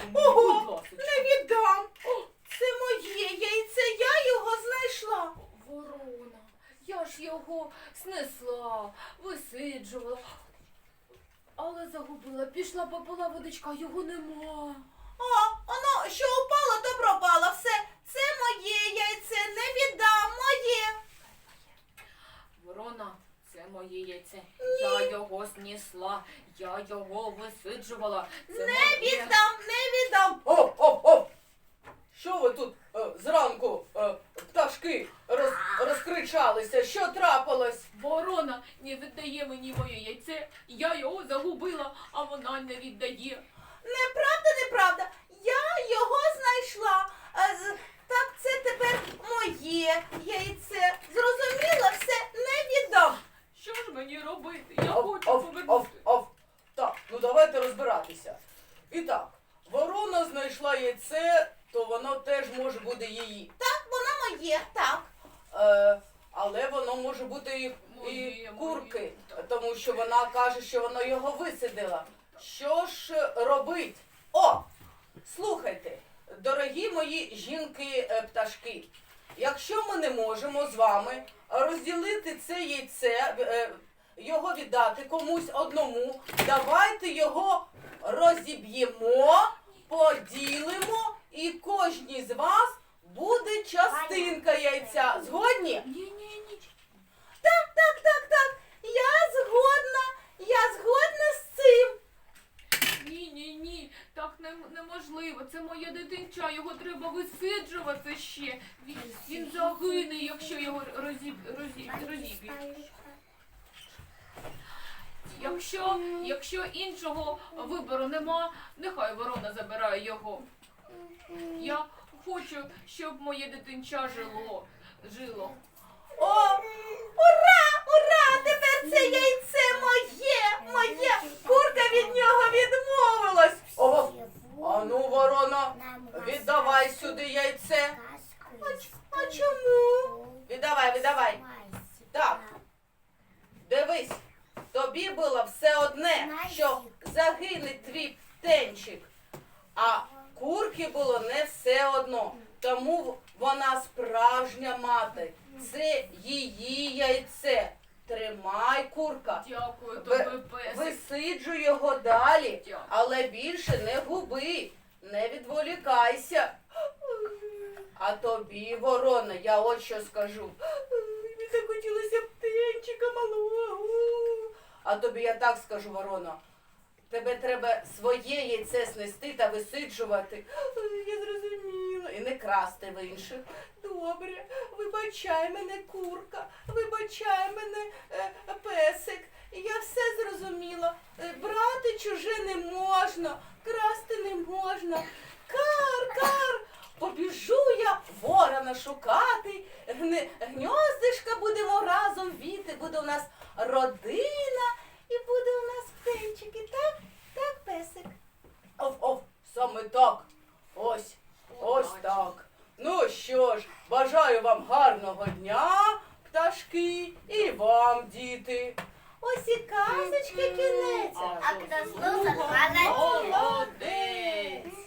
Ого, будь ласка. не віддам. Це моє яйце, я його знайшла. Ворона, я ж його снесла, висиджувала, але загубила. Пішла, попила водичка, його нема. Воно що упало, то пропало. Все, це моє яйце, не віддам, моє. Ворона, це моє яйце. Я його снесла, я його висиджувала. Це Не моє. віддам, не віддам. Оп! Що ви тут зранку, пташки, розкричалися? Що трапилось? Ворона не віддає мені моє яйце, я його загубила, а вона не віддає. Неправда. Я його знайшла. Так, це тепер моє яйце. Зрозуміла, все, не віддам. Що ж мені робити? Я хочу повернути. Так, ну давайте розбиратися. І так, ворона знайшла яйце, то воно теж може бути її. Так, воно моє, так. Але воно може бути і Моє, курки, моє. тому що вона каже, що вона його висидила. Що ж робить? Слухайте, дорогі мої жінки-пташки, якщо ми не можемо з вами розділити це яйце, його віддати комусь одному, давайте його розіб'ємо, поділимо і кожній з вас буде частинка яйця. Згодні? Ні. Так. Я згодна з цим. Ні, так неможливо. Це моє дитинча, його треба висиджувати ще. Він загине, якщо його розіб'ють. Якщо іншого вибору нема, нехай ворона забирає його. Я хочу, щоб моє дитинча жило. Ура! Тепер це яйце моє. Курка від нього відмовилась. Ану, ворона, віддавай сюди яйце. А чому? Віддавай. Так, дивись, тобі було все одне, що загине твій птенчик, а курки було не все одно. Тому вона справжня мати. Це її яйце. Тримай, курка. Дякую тобі, песик. Висиджуй його далі, Дякую. але більше не губи, не відволікайся. А тобі, ворона, я от що скажу. Мені захотілося птенчика малого. А тобі я так скажу, ворона. Тебе треба своє яйце снести та висиджувати. Я зрозуміла. І не красти в інших. Добре, вибачай мене, курка, вибачай мене, песик. Я все зрозуміла. Брати чуже не можна, красти не можна. Кар, побіжу я ворона шукати. Гньоздишка будемо разом віти, буде у нас родина і буде у нас птенчики. Так, песик? Саме так. Ось так. Ну що ж, бажаю вам гарного дня, пташки, і вам, діти. Ось і казочки кінець. А хто слухав, молодець.